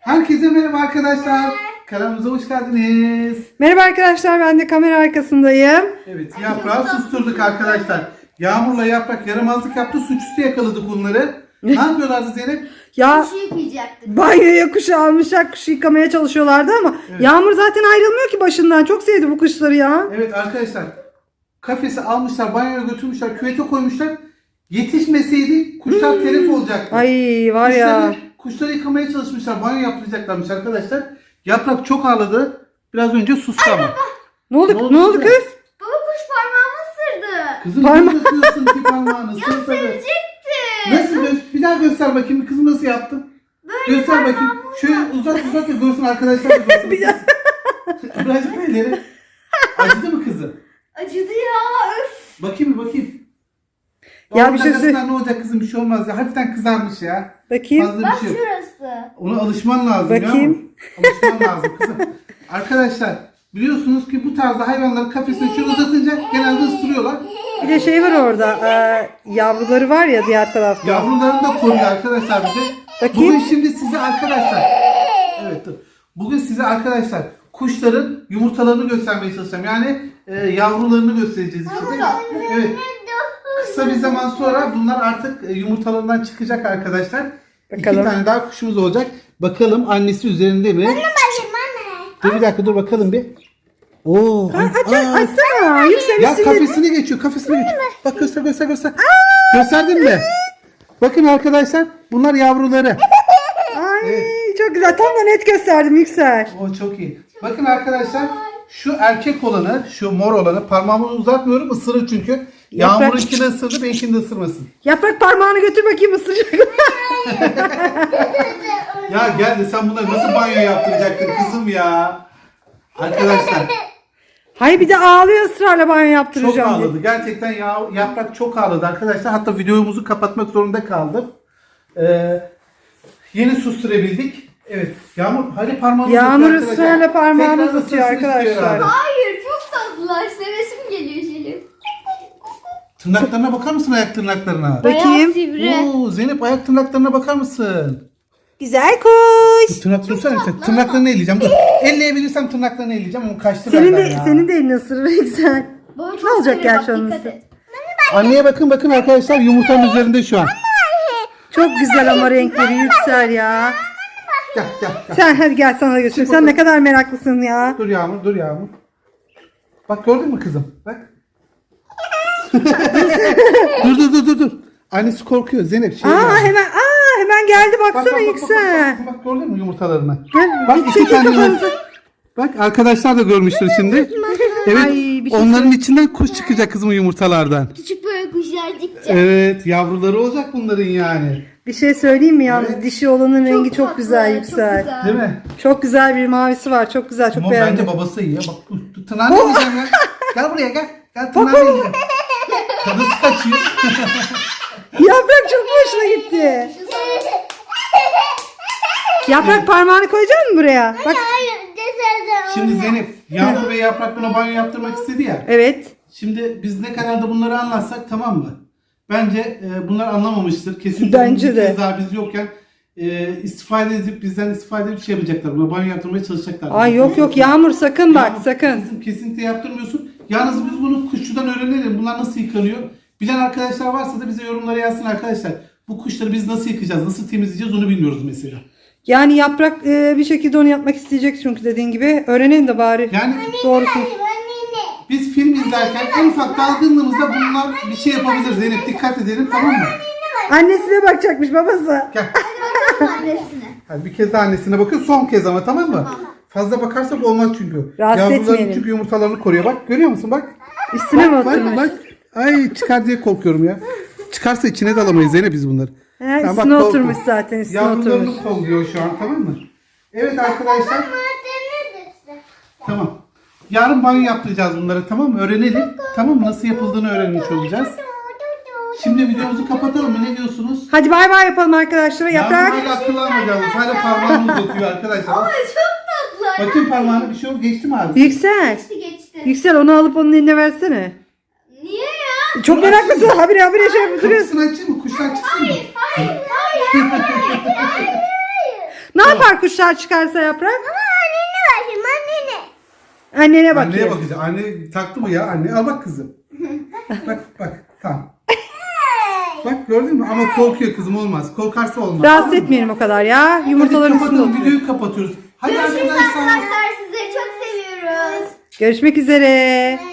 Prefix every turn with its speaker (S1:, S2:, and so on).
S1: Herkese merhaba arkadaşlar. Kanalımıza hoş geldiniz.
S2: Merhaba arkadaşlar, ben de kamera arkasındayım.
S1: Evet, Yaprağı susturduk arkadaşlar. Yağmur'la Yaprak yaramazlık yaptı, suçüstü yakaladık onları. Ne yapıyorlardı Zeynep?
S2: Ya
S3: Kuşu yıkayacaktık.
S2: banyoya kuşu almışlar, kuşu yıkamaya çalışıyorlardı ama
S1: Evet.
S2: Yağmur zaten ayrılmıyor ki başından. Çok sevdi bu kuşları ya.
S1: Evet arkadaşlar, kafesi almışlar, banyoya götürmüşler, küvete koymuşlar. Yetişmeseydi kuşlar telef olacaktı.
S2: Ay var ya.
S1: Kuşları yıkamaya çalışmışlar, banyo yaptıracaklarmış arkadaşlar. Yaprak çok ağladı. Biraz önce sustu ama.
S2: Ne oldu?
S1: Ne oldu
S2: kız?
S1: kız?
S3: Baba kuş parmağımı ısırdı.
S1: Kızım
S2: Parma-
S1: ne yapıyorsun ki parmağını?
S3: Sevecekti.
S1: Nasıl? Bir daha göster bakayım. Kızım nasıl yaptın? Göster bakayım. Şöyle uzat da görsün arkadaşlar da görsün.
S2: Bir daha.
S1: Birazcık elleri. Acıdı mı kızım?
S3: Acıdı ya. Öf.
S1: Bakayım.
S2: Ya bir şey
S1: söyle. Ne olacak kızım, bir şey olmaz ya. Hafiften kızarmış ya.
S2: Bakayım.
S1: Fazla
S3: Bak
S1: bir şey yok.
S3: şurası.
S1: Ona alışman lazım
S2: Bakayım.
S1: ya. Alışman lazım kızım. Arkadaşlar biliyorsunuz ki bu tarzda hayvanları kafesine şöyle uzatınca genelde ısırıyorlar.
S2: Bir de şey var orada. Yavruları var ya diğer tarafta.
S1: Yavrularını da koruyor arkadaşlar bize.
S2: Bakayım.
S1: Bugün şimdi size arkadaşlar. Evet dur. Bugün size arkadaşlar kuşların yumurtalarını göstermeye çalışacağım. Yani yavrularını göstereceğiz işte. Evet. Kısa bir zaman sonra bunlar artık yumurtalarından çıkacak arkadaşlar.
S2: Bakalım.
S1: 2 tane daha kuşumuz olacak. Bakalım annesi üzerinde mi? Dur bir dakika, dur bakalım bir. Oo.
S2: Açsana. Yüksel
S1: Ya
S2: üstüne.
S1: kafesine geçiyor. Bak göster. Gösterdin mi? Bakın arkadaşlar, bunlar yavruları.
S2: Ay çok güzel. Tam da net gösterdim Yüksel.
S1: O çok iyi. Bakın arkadaşlar, şu erkek olanı, şu mor olanı, parmağımı uzatmıyorum, ısırır çünkü.
S2: Yaprak-
S1: Yağmur'unkini ısırdı, benimkini de ısırmasın.
S2: Yaprak parmağını götür bakayım ısıracak.
S1: Ya gel de sen bunları nasıl banyo yaptıracaktın kızım ya? Arkadaşlar
S2: Hayır bir de ağlıyor ısrarla banyo
S1: çok
S2: yaptıracağım diye.
S1: ağladı. Gerçekten Yaprak çok ağladı arkadaşlar. Hatta videomuzu kapatmak zorunda kaldım. Yeni susturabildik. Evet. Yağmur hadi parmağını
S2: Yağmur
S1: uzatıyor arkadaşlar.
S2: ısrarla parmağını
S1: Tekrar
S2: uzatıyor
S1: ısırsın istiyor
S2: arkadaşlar.
S1: herhalde.
S3: Hayır çok tatlılar. Sevesim geliyor Şerif.
S1: Tırnaklarına bakar mısın, ayak tırnaklarına?
S2: Bakayım.
S3: Sivri.
S1: Oo, Zeynep ayak tırnaklarına bakar mısın?
S2: Güzel kuş.
S1: Tırnak tutsana sen. Tırnaklarını elleyeceğim. Dur. Elleyebilirsem tırnaklarını elleyeceğim ama kaçtı
S2: Senin
S1: benden
S2: de
S1: ya.
S2: senin de elini ısırır Yüksel.
S3: Baba çok
S2: Ne olacak
S3: seviyor,
S2: gerçi
S3: bak,
S2: onun
S3: dikkat
S2: üstü?
S3: et.
S1: Anneye bakın arkadaşlar, yumurtanın üzerinde şu an.
S2: Çok güzel ama renkleri Yüksel ya.
S1: Gel.
S2: Sen hadi gel sana da götür. Sen ne kadar meraklısın ya.
S1: Dur Yağmur. Bak gördün mü kızım? Bak. dur. Annesi korkuyor Zeynep.
S2: Hemen geldi baksana
S1: Bak,
S2: Yüksel.
S1: bak gördün mü yumurtalarını?
S2: Gel
S1: Bak
S2: bir
S1: iki
S2: çekil
S1: tane
S2: kafanızı.
S1: yumurta. Bak arkadaşlar da görmüştür şimdi. Evet.
S2: Ay, bir şey
S1: onların içinden kuş çıkacak kızım yumurtalardan.
S3: Küçük böyle kuşlar dikecek.
S1: Evet, yavruları olacak bunların yani.
S2: Bir şey söyleyeyim mi yalnız?
S1: Evet.
S2: Dişi olanın rengi çok
S3: tatlı,
S2: güzel
S3: çok
S2: Yüksel.
S3: güzel.
S1: Değil mi?
S2: Çok güzel bir mavisi var. Çok güzel. Çok
S1: Ama
S2: beğendim.
S1: bence babası iyi ya. Bak tırnağını yiyeceğim ya. Gel buraya gel. Gel tırnağını yiyeceğim. Kadısı kaçıyor.
S2: Yaprak çok hoşuna gitti. Yaprak parmağını koyacak mısın buraya? Bak.
S1: Şimdi Zeynep, Yağmur ve Yaprak buna banyo yaptırmak istedi ya.
S2: Evet.
S1: Şimdi biz ne kadar da bunları anlatsak tamam mı? Bence bunlar anlamamıştır. Kesinlikle
S2: Bence
S1: bir
S2: de.
S1: kez daha biz yokken bizden istifade edip şey yapacaklar. Buna banyo yaptırmaya çalışacaklar.
S2: Ay yok Yağmur sakın bak
S1: Yağmur,
S2: sakın.
S1: kızım, kesinlikle yaptırmıyorsun. Yalnız biz bunu kuşçudan öğrenelim. Bunlar nasıl yıkanıyor? Bilen arkadaşlar varsa da bize yorumlara yazsın arkadaşlar. Bu kuşları biz nasıl yıkayacağız, nasıl temizleyeceğiz onu bilmiyoruz mesela.
S2: Yani Yaprak bir şekilde onu yapmak isteyecek çünkü dediğin gibi. Öğrenelim de bari.
S1: Yani
S2: Doğrusu.
S1: biz film izlerken en ufak dalgınlığımızda bunlar bir şey yapabilir Zeynep. Dikkat edelim, tamam mı?
S2: Annesine bakacakmış babası.
S1: Gel.
S3: Annesine.
S1: Hadi bir kez de annesine bakıyor. Son kez ama, tamam mı? Fazla bakarsak olmaz çünkü.
S2: Rahatsız
S1: Yavruların
S2: etmeyelim.
S1: çünkü yumurtalarını koruyor. Bak görüyor musun bak.
S2: Üstüne mi oturmuş?
S1: Bak. Ay çıkar diye korkuyorum ya. Çıkarsa içine de alamayız Zeynep biz bunları.
S2: He,
S1: Tamam,
S2: üstüne
S1: bak,
S2: oturmuş zaten üstüne oturmuş.
S1: Yavrularını kolluyor şu an, tamam mı? Evet arkadaşlar. Tamam. Yarın banyo yaptıracağız bunları, tamam mı? Öğrenelim. Tamam mı? Nasıl yapıldığını öğrenmiş olacağız. Şimdi videomuzu kapatalım mı? Ne diyorsunuz?
S2: Hadi bay bay yapalım arkadaşlar. Yaprak.
S1: Yağmur hala akıllanmayacağız. Hala parmağını uzatıyor arkadaşlar.
S3: Ay çok tatlılar.
S1: Bakın parmağına bir şey oldu. Geçti mi abi?
S2: Yüksel.
S3: Geçti.
S2: Yüksel onu alıp onun eline versene.
S3: Niye ya?
S2: Çok meraklısın. Habire şey yapıp duruyorsun.
S1: Kapısını açayım mı? Kuşlar çıksın mı?
S3: Hayır.
S2: Ne yapar kuşlar çıkarsa Yaprak?
S3: Annene bakayım annene.
S2: Annene
S1: Anneye
S2: bakıyor.
S1: bakacağım. Anne taktı mı ya? Anne al bak kızım. Bak tamam. Bak gördün mü? Ama korkuyor kızım, olmaz. Korkarsa olmaz.
S2: Rahatsız etmeyelim o kadar ya. Yumurtaların
S1: Hadi
S2: üstünde
S1: kapatalım,
S2: oturuyor.
S1: videoyu kapatıyoruz. Hadi
S3: Görüşürüz
S1: arkadaşlar.
S3: arkadaşlar. Sizleri çok seviyoruz.
S2: Görüşmek üzere.